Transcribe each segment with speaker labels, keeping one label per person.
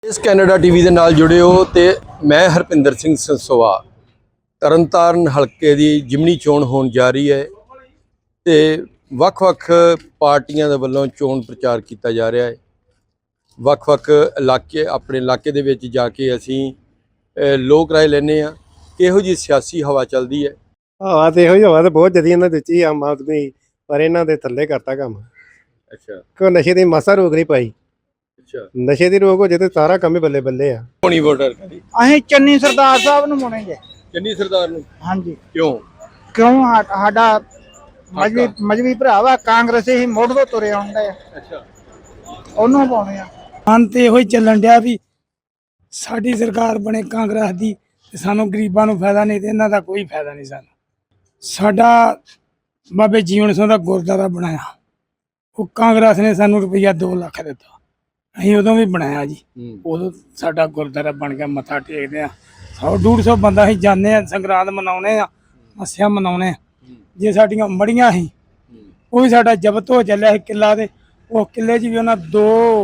Speaker 1: ਇਸ Canada TV ਦੇ ਨਾਲ ਜੁੜੇ ਹੋ ਤੇ ਮੈਂ ਹਰਪਿੰਦਰ ਸਿੰਘ ਸੰਸੋਆ। ਤਰਨਤਾਰਨ ਹਲਕੇ ਦੀ ਜਿਮਨੀ ਚੋਣ ਹੋਣ ਜਾ ਰਹੀ ਹੈ ਤੇ ਵੱਖ-ਵੱਖ ਪਾਰਟੀਆਂ ਦੇ ਵੱਲੋਂ ਚੋਣ ਪ੍ਰਚਾਰ ਕੀਤਾ ਜਾ ਰਿਹਾ ਹੈ। ਵੱਖ-ਵੱਖ ਇਲਾਕੇ ਆਪਣੇ ਇਲਾਕੇ ਦੇ ਵਿੱਚ ਜਾ ਕੇ ਅਸੀਂ ਲੋਕ ਰਾਏ ਲੈਂਦੇ ਹਾਂ ਕਿਹੋ ਜਿਹੀ ਸਿਆਸੀ ਹਵਾ ਚੱਲਦੀ ਹੈ।
Speaker 2: ਹਵਾ ਤੇ ਇਹੋ ਹੀ ਹਵਾ ਤੇ ਬਹੁਤ ਜਦੀ ਇਹਨਾਂ ਦਿੱਤੀ ਆਮ ਆਦਮੀ, ਪਰ ਇਹਨਾਂ ਦੇ ਥੱਲੇ ਕਰਤਾ ਕੰਮ।
Speaker 1: ਅੱਛਾ,
Speaker 2: ਕੋਈ ਨਸ਼ੇ ਦੀ ਮਾਸਾ ਰੋਕ ਨਹੀਂ ਪਾਈ।
Speaker 1: ਅੱਛਾ,
Speaker 2: ਨਸ਼ੇ ਦੀ ਰੋਕ ਹੋ ਜੇ ਤੇ ਸਾਰਾ ਕੰਮ ਹੀ ਬੱਲੇ ਬੱਲੇ ਆ।
Speaker 1: ਹੋਣੀ ਵੋਟਰ ਕਰੀ
Speaker 3: ਅਸੀਂ ਚੰਨੀ ਸਰਦਾਰ ਸਾਹਿਬ ਨੂੰ ਮੋਣਾਂਗੇ।
Speaker 1: ਚੰਨੀ ਸਰਦਾਰ ਨੂੰ
Speaker 3: ਹਾਂਜੀ,
Speaker 1: ਕਿਉਂ?
Speaker 3: ਸਾਡਾ ਮਜਬੀ ਭਰਾ ਵਾ, ਕਾਂਗਰਸੀ ਹੀ ਮੁੱਢ ਤੋਂ ਤੁਰੇ ਆਉਂਦੇ ਆ।
Speaker 1: ਅੱਛਾ,
Speaker 3: ਉਹਨੂੰ ਪਾਉਣੇ ਆ।
Speaker 4: ਮਨ ਤੇ ਇਹੋ ਹੀ ਚੱਲਣ ਡਿਆ ਵੀ ਸਾਡੀ ਸਰਕਾਰ ਬਣੇ ਕਾਂਗਰਸ ਦੀ ਤੇ ਸਾਨੂੰ ਗਰੀਬਾਂ ਨੂੰ ਫਾਇਦਾ ਨਹੀਂ ਤੇ ਇਹਨਾਂ ਦਾ ਕੋਈ ਫਾਇਦਾ ਨਹੀਂ। ਸਾਡਾ ਬਾਬੇ ਜੀਵਨ ਸਿੰਘ ਦਾ ਗੁਰਦੁਆਰਾ ਬਣਾਇਆ, ਉਹ ਕਾਂਗਰਸ ਨੇ ਸਾਨੂੰ ਰੁਪਈਆ 2 ਲੱਖ ਦਿੱਤਾ, ਅਸੀਂ ਉਦੋਂ ਵੀ ਬਣਾਇਆ ਜੀ। ਉਦੋਂ ਸਾਡਾ ਗੁਰਦੁਆਰਾ ਬਣ ਗਿਆ, ਮੱਥਾ ਟੇਕਦੇ ਆ 100-150 ਬੰਦਾ ਅਸੀਂ ਜਾਂਦੇ ਆ, ਸੰਗਰਾਂਦ ਮਨਾਉਣੇ ਆ, ਮੱਸਿਆ ਮਨਾਉਣੇ ਆ। ਜੇ ਸਾਡੀਆਂ ਮੜੀਆਂ ਸੀ ਉਹ ਵੀ ਸਾਡਾ ਜ਼ਬਤ ਹੋ ਚੱਲਿਆ ਸੀ ਕਿੱਲਾ, ਤੇ ਉਹ ਕਿੱਲੇ 'ਚ ਵੀ ਉਹਨਾਂ 2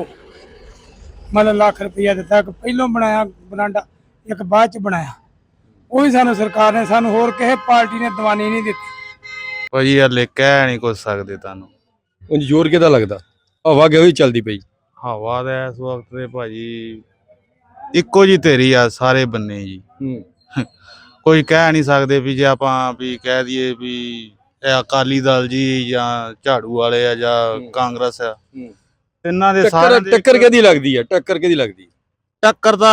Speaker 4: ਲੱਖ ਰੁਪਈਆ ਦਿੱਤਾ। ਇੱਕ ਪਹਿਲੋਂ ਬਣਾਇਆ ਬਰਾਂਡਾ, ਇੱਕ ਬਾਅਦ 'ਚ ਬਣਾਇਆ, ਉਹ ਵੀ ਸਾਨੂੰ ਸਰਕਾਰ ਨੇ, ਸਾਨੂੰ ਹੋਰ ਕਿਸੇ ਪਾਰਟੀ ਨੇ ਦੀਵਾਨੀ ਨਹੀਂ ਦਿੱਤੀ।
Speaker 5: ਭਾਜੀ ਹਲੇ ਕਹਿ ਨਹੀਂ ਕੁਝ ਸਕਦੇ ਤੁਹਾਨੂੰ।
Speaker 1: ਉਂਝ ਜ਼ੋਰ ਕਿਹਦਾ ਲੱਗਦਾ? ਹਵਾ ਕਿਹੋ ਜਿਹੀ ਚੱਲਦੀ ਪਈ?
Speaker 5: ਹਵਾ ਦਾ ਇਸ ਵਕਤ ਤੇ ਭਾਜੀ ਇੱਕੋ ਜੀ ਤੇਰੀ ਆ ਸਾਰੇ ਬੰਨੇ ਜੀ। ਕੋਈ ਕਹਿ ਨਹੀਂ ਸਕਦੇ ਵੀ ਜੇ ਆਪਾਂ ਵੀ ਕਹਿ ਦਈਏ ਵੀ ਇਹ ਅਕਾਲੀ ਦਲ ਜੀ ਜਾਂ ਝਾੜੂ ਵਾਲੇ ਆ ਜਾਂ ਕਾਂਗਰਸ ਆ, ਇਹਨਾਂ ਦੇ ਸਾਰੇ
Speaker 1: ਟੱਕਰ ਕਿਹਦੀ ਲੱਗਦੀ ਹੈ? ਟੱਕਰ ਕਿਹਦੀ ਲੱਗਦੀ?
Speaker 5: ਟੱਕਰ ਦਾ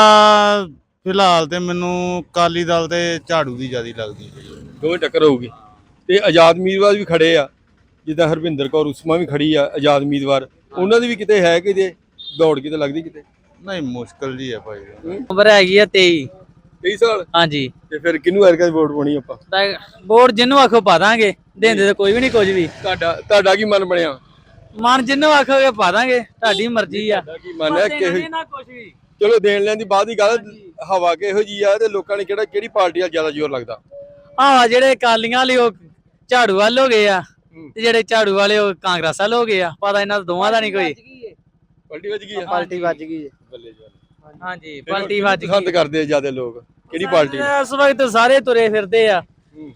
Speaker 5: ਫਿਲਹਾਲ ਤੇ ਮੈਨੂੰ ਅਕਾਲੀ ਦਲ ਤੇ ਝਾੜੂ ਦੀ ਜ਼ਿਆਦਾ ਲੱਗਦੀ ਹੈ।
Speaker 1: ਦੋਵੇਂ ਟੱਕਰ ਹੋਊਗੀ ਤੇ ਆਜ਼ਾਦ ਉਮੀਦਵਾਰ ਵੀ ਖੜੇ ਆ, ਜਿੱਦਾਂ ਹਰਵਿੰਦਰ ਕੌਰ ਉਸਮਾ ਵੀ ਖੜੀ ਆ ਆਜ਼ਾਦ ਉਮੀਦਵਾਰ, ਉਹਨਾਂ ਦੀ ਵੀ ਕਿਤੇ ਹੈ ਕਿਤੇ ਦੌੜ ਕਿਤੇ ਲੱਗਦੀ ਕਿਤੇ?
Speaker 5: ਨਹੀਂ, ਮੁਸ਼ਕਲ ਜੀ ਹੈ ਭਾਈ।
Speaker 6: ਉਮਰ ਹੈਗੀ ਆ
Speaker 1: 23 ਸਾਲ।
Speaker 6: ਹਾਂਜੀ,
Speaker 1: ਤੇ ਫਿਰ ਕਿਹਨੂੰ ਐਰਕਾ ਵੋਟ ਪਾਉਣੀ ਆਪਾਂ?
Speaker 6: ਵੋਟ ਜਿੰਨੂੰ ਆਖੋ ਪਾ ਦਾਂਗੇ, ਦਿੰਦੇ ਤਾਂ ਕੋਈ ਵੀ ਨਹੀਂ ਕੁਝ ਵੀ।
Speaker 1: ਤੁਹਾਡਾ ਕੀ ਮਨ ਬਣਿਆ?
Speaker 6: ਮਨ ਜਿੰਨੂੰ ਆਖੋਗੇ ਪਾ ਦਾਂਗੇ, ਤੁਹਾਡੀ ਮਰਜ਼ੀ ਆ।
Speaker 1: ਕੀ ਮਨ ਹੈ ਕਿ
Speaker 6: ਕੁਝ ਵੀ
Speaker 1: ਚਲੋ ਦੇਣ ਲੈਣ ਦੀ ਬਾਅਦ ਦੀ ਗੱਲ, ਹਵਾ ਕਿਹੋ ਜੀ ਆ ਤੇ ਲੋਕਾਂ ਨੇ ਕਿਹੜੀ ਪਾਰਟੀ ਨਾਲ ਜ਼ਿਆਦਾ ਜ਼ੋਰ ਲੱਗਦਾ?
Speaker 6: ਆਹ ਜਿਹੜੇ ਅਕਾਲੀਆਂ ਵਾਲੇ ਉਹ ਝਾੜੂ ਵਾਲ ਹੋ ਗਏ ਆ, ਤੇ ਜਿਹੜੇ ਝਾੜੂ ਵਾਲੇ ਉਹ ਕਾਂਗਰਸ ਵਾਲ ਹੋ ਗਏ ਆ। ਪਤਾ ਇਹਨਾਂ ਦੋਵਾਂ ਦਾ ਨਹੀਂ ਕੋਈ।
Speaker 1: ਪਲਟੀ ਵੱਜ ਗਈ ਆ?
Speaker 3: ਪਾਰਟੀ ਵੱਜ ਗਈ।
Speaker 1: ਬੱਲੇ ਜੀ।
Speaker 6: ਹਾਂਜੀ, ਪਲਟੀ ਵੱਜ ਗਈ।
Speaker 1: ਪਸੰਦ ਕਰਦੇ ਆ ਜ਼ਿਆਦਾ ਲੋਕ ਕਿਹੜੀ ਪਾਰਟੀ?
Speaker 6: ਇਸ ਵਕਤ ਸਾਰੇ ਤੁਰੇ ਫਿਰਦੇ ਆ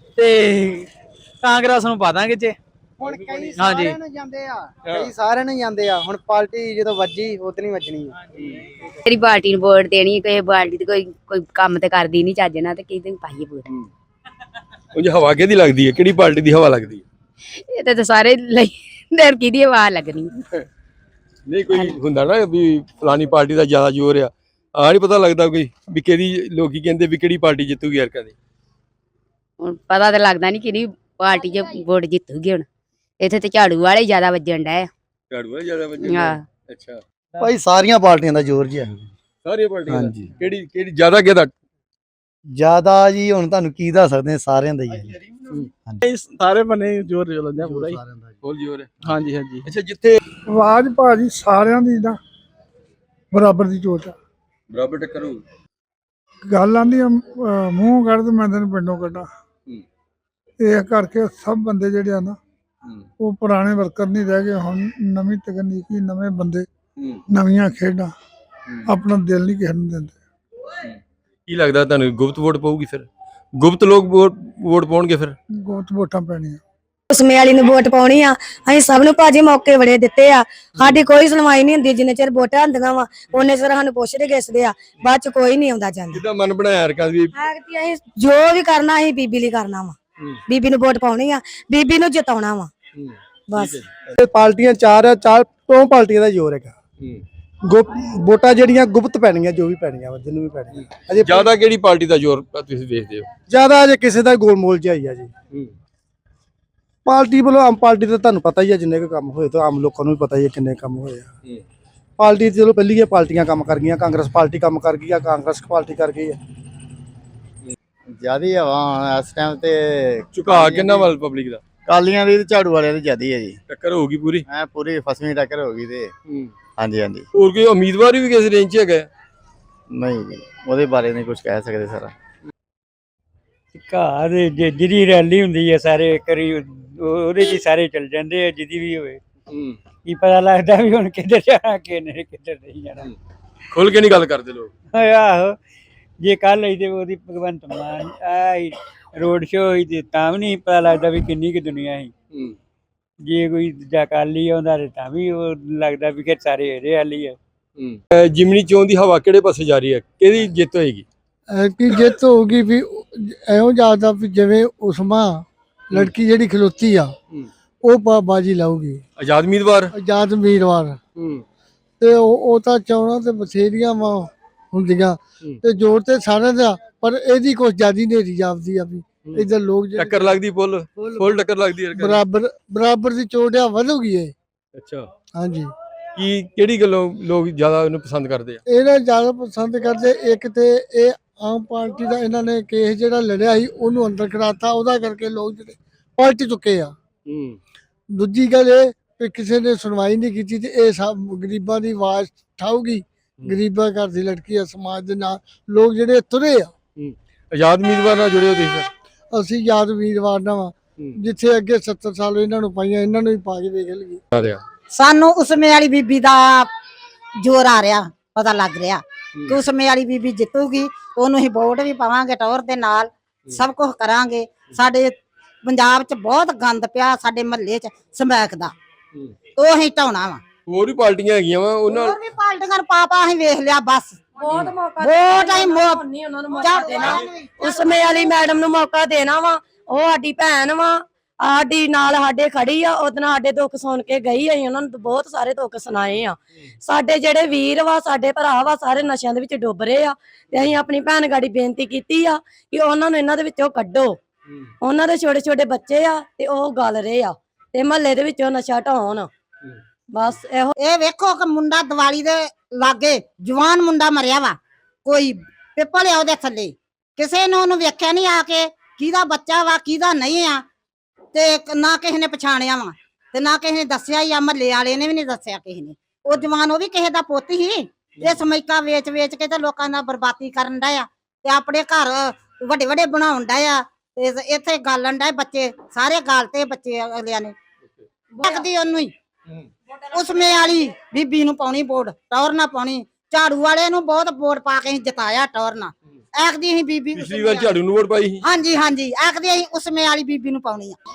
Speaker 6: ਤੇ ਕਾਂਗਰਸ ਨੂੰ ਪਾ ਦਾਂਗੇ ਜੇ।
Speaker 3: ਹੁਣ ਕਈ ਸਾਰਿਆਂ ਨੂੰ ਜਾਂਦੇ ਆ, ਕਈ ਸਾਰਿਆਂ ਨੂੰ ਜਾਂਦੇ ਆ। ਹੁਣ ਪਾਰਟੀ ਜਦੋਂ ਵੱਜੀ ਉਤਨੀ ਵੱਜਣੀ ਆ।
Speaker 7: ਕਿਹੜੀ ਪਾਰਟੀ ਨੂੰ ਵੋਟ ਦੇਣੀ? ਕੋਈ ਪਾਰਟੀ ਤੇ ਕੋਈ ਕੰਮ ਤੇ ਕਰਦੀ ਨਹੀਂ ਚੱਜ ਨਾਲ, ਤੇ ਕਿਹਦੇ ਨੂੰ ਪਾਈਏ ਵੋਟ?
Speaker 1: ਉਂਝ ਹਵਾ ਕਿਹਦੀ ਲੱਗਦੀ ਹੈ? ਕਿਹੜੀ ਪਾਰਟੀ ਦੀ ਹਵਾ ਲੱਗਦੀ ਹੈ?
Speaker 7: ਇਹ ਤਾਂ ਸਾਰੇ ਲਈ ਦਰ ਕਿਹਦੀ ਆਵਾਜ਼ ਲੱਗਣੀ।
Speaker 1: ਨਹੀਂ ਕੋਈ ਹੁੰਦਾ ਨਾ ਵੀ ਫਲਾਨੀ ਪਾਰਟੀ ਦਾ ਜ਼ਿਆਦਾ ਜ਼ੋਰ ਆ ਨਹੀਂ ਪਤਾ ਲੱਗਦਾ ਕੋਈ ਵੀ ਕਿਹਦੀ, ਲੋਕੀ ਕਹਿੰਦੇ ਵੀ ਕਿਹੜੀ ਪਾਰਟੀ ਜਿੱਤੂਗੀ ਯਾਰ ਕਦੇ?
Speaker 7: ਹੁਣ ਪਤਾ ਤਾਂ ਲੱਗਦਾ ਨਹੀਂ ਕਿਹੜੀ ਪਾਰਟੀ 'ਚ ਵੋਟ ਜਿੱਤੂਗੀ। ਹੁਣ ਇੱਥੇ ਤੇ ਝਾੜੂ ਵਾਲੇ ਜ਼ਿਆਦਾ ਵੱਜਣ ਡਏ ਆ।
Speaker 1: ਝਾੜੂ ਵਾਲੇ ਜ਼ਿਆਦਾ ਵੱਜੇ?
Speaker 7: ਹਾਂ।
Speaker 1: ਅੱਛਾ,
Speaker 2: ਭਾਈ ਸਾਰੀਆਂ ਪਾਰਟੀਆਂ ਦਾ ਜ਼ੋਰ ਜੀ ਹੈ।
Speaker 1: ਸਾਰੀਆਂ ਪਾਰਟੀਆਂ ਦਾ?
Speaker 2: ਹਾਂਜੀ।
Speaker 1: ਕਿਹੜੀ ਜ਼ਿਆਦਾ ਕਿਹਦਾ?
Speaker 2: ਜਿਆਦਾ ਜੀ ਹੁਣ ਤੁਹਾਨੂੰ ਕੀ ਦੱਸ ਸਕਦੇ ਆ, ਸਾਰਿਆਂ ਦਾ ਹੀ ਹੈ।
Speaker 3: ਸਾਰੇ ਬੰਨੇ ਜ਼ੋਰ ਚੱਲਦੇ ਆ ਪੂਰਾ ਹੀ।
Speaker 1: ਫੁੱਲ ਜ਼ੋਰ ਹੈ।
Speaker 3: ਹਾਂਜੀ ਹਾਂਜੀ।
Speaker 1: ਅੱਛਾ, ਜਿੱਥੇ
Speaker 4: ਆਵਾਜ਼ ਭਾਜੀ ਸਾਰਿਆਂ ਦੀ ਦਾ ਬਰਾਬਰ ਦੀ ਚੋਟ ਆ।
Speaker 1: ਬਰਾਬਰ ਟੱਕਰ ਹੋਊ।
Speaker 4: ਗੱਲ ਆਂਦੀ ਮੂੰਹ ਕੱਢ ਤੇ ਮੈਂ ਤੈਨੂੰ ਪਿੰਡੋਂ ਕੱਢਾਂ। ਇਹ ਕਰਕੇ ਸਭ ਬੰਦੇ ਜਿਹੜੇ ਆ ਨਾ, ਉਹ ਪੁਰਾਣੇ ਵਰਕਰ ਨਹੀਂ ਰਹਿ ਗਏ। ਹੁਣ ਨਵੀਂ ਤਕਨੀਕੀ, ਨਵੇਂ ਬੰਦੇ, ਨਵੀਆਂ ਖੇਡਾਂ, ਆਪਣਾ ਦਿਲ ਨਹੀਂ ਕਿਸੇ ਨੂੰ ਦਿੰਦੇ।
Speaker 1: ਕੀ ਲੱਗਦਾ ਤੁਹਾਨੂੰ ਗੁਪਤ ਵੋਟ ਪਊਗੀ? ਫਿਰ ਗੁਪਤ ਲੋਕ ਵੋਟ ਪਾਉਣਗੇ? ਫਿਰ
Speaker 4: ਗੁਪਤ ਵੋਟਾਂ ਪੈਣੀਆਂ।
Speaker 8: ਉਸਮੇ ਵਾਲੀ ਨੂੰ ਵੋਟ ਪਾਉਣੀ ਆ। ਅਸੀਂ ਸਭ ਨੂੰ ਭਾਜੀ ਮੌਕੇ ਬੜੇ ਦਿੱਤੇ ਆ। ਸਾਡੀ ਕੋਈ ਸੁਣਵਾਈ ਨਹੀਂ ਹੁੰਦੀ ਜਿੰਨੇ ਚਿਰ ਵੋਟਾਂ ਹੁੰਦੀਆਂ ਵਾ, ਉਹਨੇ ਚਿਰ ਸਾਨੂੰ ਪੁੱਛਦੇ ਗਿੱਛਦੇ ਆ, ਬਾਅਦ ਚ ਕੋਈ ਨਹੀਂ ਆਉਂਦਾ ਜਾਂਦਾ।
Speaker 1: ਜਿੱਦਾਂ ਮਨ ਬਣਾਇਆ ਯਾਰ ਵੀ
Speaker 8: ਅਸੀਂ ਜੋ ਵੀ ਕਰਨਾ ਅਸੀਂ ਬੀਬੀ ਲਈ ਕਰਨਾ ਵਾ। ਬੀਬੀ ਨੂੰ ਵੋਟ ਪਾਉਣੀ ਆ, ਬੀਬੀ ਨੂੰ ਜਿਤਾਉਣਾ ਵਾ ਬਸ।
Speaker 2: ਪਾਰਟੀਆਂ ਚਾਰ ਆ, ਚਾਰੋਂ ਪਾਰਟੀਆਂ ਦਾ ਜ਼ੋਰ ਹੈਗਾ। ਵੋਟਾਂ ਜਿਹੜੀਆਂ ਗੁਪਤ ਪੈਣੀਆਂ, ਜੋ ਵੀ ਪੈਣੀਆਂ ਵਾ, ਜਿਹਨੂੰ ਵੀ ਪੈਣੀਆਂ। ਅਜੇ
Speaker 1: ਜ਼ਿਆਦਾ ਕਿਹੜੀ ਪਾਰਟੀ ਦਾ ਜ਼ੋਰ ਤੁਸੀਂ ਵੇਖਦੇ ਹੋ?
Speaker 2: ਜ਼ਿਆਦਾ ਅਜੇ ਕਿਸੇ ਦਾ ਗੋਲਮੋਲ ਜਿਹਾ ਹੀ ਆ ਜੀ। ਪਾਰਟੀ ਵੱਲੋਂ ਆਮ ਪਾਰਟੀ ਦਾ ਤੁਹਾਨੂੰ ਪਤਾ ਹੀ ਆ, ਜਿੰਨੇ ਕੁ ਕੰਮ ਹੋਏ ਤਾਂ ਆਮ ਲੋਕਾਂ ਨੂੰ ਵੀ ਪਤਾ ਹੀ ਹੈ ਕਿੰਨੇ ਕੰਮ ਹੋਏ ਆ। ਪਾਰਟੀ ਚਲੋ ਪਹਿਲੀਆਂ ਪਾਰਟੀਆਂ ਕੰਮ ਕਰ ਗਈਆਂ, ਕਾਂਗਰਸ ਪਾਰਟੀ ਕੰਮ ਕਰ ਗਈ ਆ, ਕਾਂਗਰਸ ਪਾਰਟੀ ਕਰ ਗਈ ਆ।
Speaker 9: ਜਿਆਦੀ ਹਵਾ ਇਸ ਟਾਈਮ ਤੇ
Speaker 1: ਝੁਕਾ ਕਿੰਨਾ ਵੱਲ ਪਬਲਿਕ ਦਾ?
Speaker 9: ਕਾਲੀਆਂ ਦੀ ਤੇ ਝਾੜੂ ਵਾਲਿਆਂ ਦੀ ਜਿਆਦੀ ਹੈ ਜੀ।
Speaker 1: ਟੱਕਰ ਹੋਊਗੀ ਪੂਰੀ?
Speaker 9: ਪੂਰੀ ਫਸਵੀਂ ਟੱਕਰ ਹੋ ਗਈ ਤੇ ਹਾਂਜੀ ਹਾਂਜੀ।
Speaker 1: ਹੋਰ ਕੋਈ ਉਮੀਦਵਾਰ ਵੀ ਕਿਸ ਰੇਂਜ 'ਚ ਹੈਗਾ?
Speaker 9: ਨਹੀਂ ਜੀ, ਉਹਦੇ ਬਾਰੇ ਨਹੀਂ ਕੁਝ ਕਹਿ ਸਕਦੇ ਸਰ।
Speaker 4: ਘਰ ਜਿਹੜੀ ਰੈਲੀ ਹੁੰਦੀ ਹੈ ਸਾਰੇ ਕਰੀ ਉਹਦੇ 'ਚ ਸਾਰੇ ਚੱਲ ਜਾਂਦੇ ਆ, ਜਿਹਦੀ ਵੀ ਹੋਵੇ। ਕੀ ਪਤਾ ਲੱਗਦਾ ਵੀ ਹੁਣ ਕਿੱਧਰ ਜਾਣਾ, ਕਿੱਧਰ ਨਹੀਂ ਜਾਣਾ।
Speaker 1: ਖੁੱਲ ਕੇ ਨਹੀਂ ਗੱਲ ਕਰਦੇ ਲੋਕ।
Speaker 10: ਆਹੋ ਜੇ ਕੱਲ ਆਈ ਤੇ ਉਹਦੀ ਭਗਵੰਤ ਮਾਨ ਆਈ ਰੋਡ ਸ਼ੋਅ ਹੋਈ ਤੇ ਤਾਂ ਵੀ ਨਹੀਂ ਪਤਾ ਲੱਗਦਾ ਵੀ ਕਿੰਨੀ ਕੁ ਦੁਨੀਆ ਸੀ। ਜੇ ਕੋਈ ਦੂਜਾ ਅਕਾਲੀ ਆਉਂਦਾ ਤੇ ਤਾਂ ਵੀ ਉਹ ਲੱਗਦਾ ਵੀ ਕਿ ਸਾਰੇ ਇਹਦੇ ਵਾਲੀ ਆ।
Speaker 1: ਜਿਮਨੀ ਚੋਣ ਦੀ ਹਵਾ ਕਿਹੜੇ ਪਾਸੇ ਜਾ ਰਹੀ ਹੈ, ਕਿਹਦੀ ਜਿੱਤ ਹੋਏਗੀ?
Speaker 2: ਕਿ ਜਿੱਤ ਹੋਊਗੀ ਵੀ ਐਉਂ ਜਾਂਦਾ ਵੀ ਜਿਵੇਂ ਉਸਮਾ ਲੜਕੀ ਜਿਹੜੀ ਖਲੋਤੀ ਆ ਉਹ ਬਾਜੀ ਲਾਊਗੀ।
Speaker 1: ਆਜ਼ਾਦ ਉਮੀਦਵਾਰ।
Speaker 2: ਆਜ਼ਾਦ ਉਮੀਦਵਾਰ ਤੇ ਉਹ ਤਾਂ ਚੋਣਾਂ ਤੇ ਬਥੇਰੀਆਂ ਵਾ ਹੁੰਦੀਆਂ ਤੇ ਜ਼ੋਰ ਤੇ ਸਾਰਿਆਂ ਦਾ, ਪਰ ਇਹਦੀ ਕੁਛ ਜ਼ਿਆਦਾ ਨੇਰੀ ਜਾਪਦੀ ਆ ਵੀ ਇਧਰ ਲੋਕ
Speaker 1: ਟੱਕਰ ਲੱਗਦੀ, ਫੁੱਲ ਟੱਕਰ ਲੱਗਦੀ ਹੈ।
Speaker 2: ਬਰਾਬਰ ਦੀ ਚੋਟ ਆ ਵਧੂਗੀ ਇਹ।
Speaker 1: ਅੱਛਾ,
Speaker 2: ਹਾਂਜੀ।
Speaker 1: ਕਿਹੜੀ ਗੱਲੋਂ ਲੋਕ ਜ਼ਿਆਦਾ ਇਹਨੂੰ ਪਸੰਦ ਕਰਦੇ ਆ?
Speaker 2: ਇਹਨਾਂ ਜ਼ਿਆਦਾ ਪਸੰਦ ਕਰਦੇ, ਇੱਕ ਤੇ ਇਹ ਆਮ ਪਾਰਟੀ ਦਾ ਇਹਨਾਂ ਨੇ ਕੇਸ ਜਿਹੜਾ ਲੜਿਆ ਸੀ ਉਹਨੂੰ ਅੰਦਰ ਕਰਾਤਾ, ਉਹਦਾ ਕਰਕੇ ਲੋਕ ਜਿਹੜੇ ਪਲਟ ਚੁੱਕੇ ਆ। ਦੂਜੀ ਗੱਲ ਇਹ ਕਿ ਕਿਸੇ ਨੇ ਸੁਣਵਾਈ ਨਹੀਂ ਕੀਤੀ ਤੇ ਇਹ ਸਭ ਗਰੀਬਾਂ ਦੀ ਆਵਾਜ਼ ਉਠਾਊਗੀ। ਗਰੀਬਾਂ ਘਰ ਦੀ ਲੜਕੀ ਆ, ਸਮਾਜ ਦੇ ਨਾਲ ਲੋਕ ਜਿਹੜੇ ਤੁਰੇ ਆ।
Speaker 1: ਆਜ਼ਾਦ ਉਮੀਦਵਾਰ ਨਾਲ ਜੁੜੇ ਹੋ ਤੁਸੀਂ?
Speaker 2: ਅਸੀਂ ਆਜ਼ਾਦ ਉਮੀਦਵਾਰ ਨਾਲ ਵਾ, ਜਿੱਥੇ ਅੱਗੇ 70 ਸਾਲ ਇਹਨਾਂ ਨੂੰ ਪਾਈਆਂ ਇਹਨਾਂ ਨੂੰ ਵੀ ਪਾ ਕੇ ਵੇਖ ਲਈਏ।
Speaker 8: ਸਾਨੂੰ ਉਸਮੇ ਵਾਲੀ ਬੀਬੀ ਦਾ ਜ਼ੋਰ ਆ ਰਿਹਾ, ਪਤਾ ਲੱਗ ਰਿਹਾ ਕਿ ਉਸਮੇ ਵਾਲੀ ਬੀਬੀ ਜਿੱਤੂਗੀ। ਉਹਨੂੰ ਹੀ ਵੋਟ ਵੀ ਪਾਵਾਂਗੇ, ਟੌਰ ਦੇ ਨਾਲ ਸਭ ਕੁਝ ਕਰਾਂਗੇ। ਸਾਡੇ ਪੰਜਾਬ 'ਚ ਬਹੁਤ ਗੰਦ ਪਿਆ, ਸਾਡੇ ਮਹੱਲੇ 'ਚ ਸਮੈਕ ਦਾ, ਉਹ ਅਸੀਂ ਢਾਉਣਾ ਵਾ।
Speaker 1: ਹੋਰ ਵੀ ਪਾਰਟੀਆਂ ਹੈਗੀਆਂ ਵਾ, ਉਹਨਾਂ
Speaker 8: ਹੋਰ ਵੀ ਪਾਰਟੀਆਂ ਨੂੰ ਪਾਪਾ ਅਸੀਂ ਵੇਖ ਲਿਆ ਬਸ।
Speaker 7: ਬਹੁਤ ਮੌਕਾ
Speaker 8: ਵੋਟ ਅਸੀਂ
Speaker 7: ਉਹਨਾਂ ਨੂੰ ਮੌਕਾ ਦੇਣਾ, ਉਸਮੇ ਵਾਲੀ ਮੈਡਮ ਨੂੰ ਮੌਕਾ ਦੇਣਾ ਵਾ। ਉਹ ਸਾਡੀ ਭੈਣ ਵਾ, ਸਾਡੀ ਨਾਲ ਸਾਡੇ ਖੜੀ ਆ। ਉਹਦੇ ਨਾਲ ਸਾਡੇ ਦੁੱਖ ਸੁਣ ਕੇ ਗਈ, ਅਸੀਂ ਉਹਨਾਂ ਨੂੰ ਬਹੁਤ ਸਾਰੇ ਦੁੱਖ ਸੁਣਾਏ ਆ। ਸਾਡੇ ਜਿਹੜੇ ਵੀਰ ਵਾ, ਸਾਡੇ ਭਰਾ ਵਾ, ਸਾਰੇ ਨਸ਼ਿਆਂ ਦੇ ਵਿੱਚ ਡੁੱਬ ਰਹੇ ਆ ਤੇ ਅਸੀਂ ਆਪਣੀ ਭੈਣ ਗਾੜੀ ਬੇਨਤੀ ਕੀਤੀ ਆ ਕਿ ਉਹਨਾਂ ਨੂੰ ਇਹਨਾਂ ਦੇ ਵਿੱਚੋਂ ਕੱਢੋ। ਉਹਨਾਂ ਦੇ ਛੋਟੇ ਛੋਟੇ ਬੱਚੇ ਆ ਤੇ ਉਹ ਗਲ ਰਹੇ ਆ ਤੇ ਮਹੱਲੇ ਦੇ ਵਿੱਚੋਂ ਨਸ਼ਾ ਢਾਉਣ। ਬਸ ਇਹੋ।
Speaker 8: ਇਹ ਵੇਖੋ ਕਿ ਮੁੰਡਾ ਦੀਵਾਲੀ ਦੇ ਲਾਗੇ ਜਵਾਨ ਮੁੰਡਾ ਮਰਿਆ ਵਾ, ਕੋਈ ਪਿੱਪਲ ਆ ਉਹਦੇ ਥੱਲੇ, ਕਿਸੇ ਨੇ ਉਹਨੂੰ ਵੇਖਿਆ ਨਹੀਂ ਆ ਕੇ ਕਿਹਦਾ ਬੱਚਾ ਵਾ ਕਿਹਦਾ ਨਹੀਂ ਆ, ਤੇ ਨਾ ਕਿਸੇ ਨੇ ਪਛਾਣਿਆ ਵਾ ਤੇ ਨਾ ਕਿਸੇ ਨੇ ਦੱਸਿਆ ਹੀ ਆ। ਮਹੱਲੇ ਵਾਲੇ ਨੇ ਵੀ ਨਹੀਂ ਦੱਸਿਆ ਕਿਸੇ ਨੇ। ਉਹ ਜਵਾਨ ਉਹ ਵੀ ਕਿਸੇ ਦਾ ਪੁੱਤ ਹੀ। ਇਹ ਸਮੈਕਾ ਵੇਚ ਵੇਚ ਕੇ ਤੇ ਲੋਕਾਂ ਦਾ ਬਰਬਾਦੀ ਕਰਨ ਡਿਆ ਤੇ ਆਪਣੇ ਘਰ ਵੱਡੇ ਵੱਡੇ ਬਣਾਉਣ ਡਿਆ ਤੇ ਇੱਥੇ ਗਾਲਣ ਡਿਆ। ਬੱਚੇ ਸਾਰੇ ਗਾਲਤੇ ਬੱਚੇ ਅਗਲਿਆਂ ਨੇ। ਲੱਗਦੀ ਉਹਨੂੰ ਹੀ ਉਸਮੇ ਵਾਲੀ ਬੀਬੀ ਨੂੰ ਪਾਉਣੀ ਵੋਟ, ਟੌਰ ਨਾ ਪਾਉਣੀ। ਝਾੜੂ ਵਾਲੇ ਨੂੰ ਬਹੁਤ ਵੋਟ ਪਾ ਕੇ ਜਿਤਾਇਆ ਟੌਰ ਨਾਲ। ਆਖਦੀ ਅਸੀਂ ਬੀਬੀ
Speaker 1: ਪਿਛਲੀ ਵਾਰ ਝਾੜੂ ਨੂੰ ਵੋਟ ਪਾਈ ਸੀ।
Speaker 8: ਹਾਂਜੀ ਆਖਦੀ ਅਸੀਂ ਉਸਮੇ ਵਾਲੀ ਬੀਬੀ ਨੂੰ ਪਾਉਣੀ ਆ।